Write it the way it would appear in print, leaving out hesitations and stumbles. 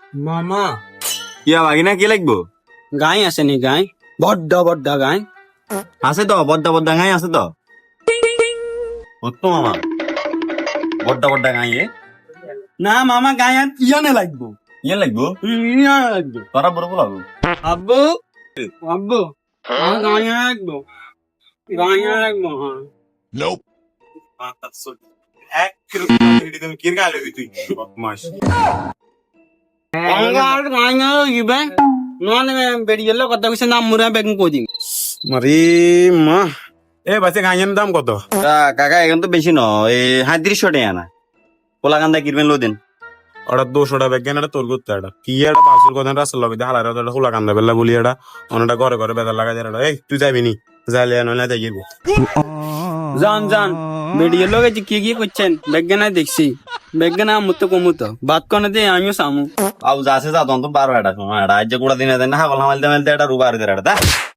মামা ইয়া বাগিনা কি লাগবো? গাই আছে নি গাই বড্ডা বড্ডা গাই আছে তো বড্ডা বড্ডা গাই আছে তো তো মামা বড্ডা বড্ডা গাই না মামা গাই আর ইয়ানে লাগবো ইয়ে লাগবো ইয়া লাগবো তোরা বড় বলাবো আব্বু আব্বু আমার গাই লাগবো গাই লাগবো হ্যাঁ এক কিলো তুমি কির গালে তুই বদমাশ আর গাই লাগবে ননে বেড়ি গেল কথা কইছে নাম মুরা বেগম কই দিম মারি মা এ বাচ্চা গাঁয়ের দাম কত? কাকা এখন তো বেশি ন এই 3500 টাকা না পোলা কান্দা কিরবেন লো দিন ওটা 200 টাকা ব্যাগ এটা তোর করতে এটা কি এটা বাসুর কথা রাস্তা লগে হালার এটা খোলা কান্দা বেলা বলি এটা অনেকটা ঘরে ঘরে বেদার লাগা যায় এটা এই তুই যাবি নি যাইলে নইলে তাই যাইব জান জান বেড়ি গেল গেছি কি করছেন বেগনা দেখছি বেগনা মুতো কমুতো বাত কোনে দে আমিও সামু আউ যাচ্ছে যা তখন তো 12 এটা সময় এটা আজ গুড়া দিনে দেন না হাগল হামাল দেন এটা রুবার দে এটা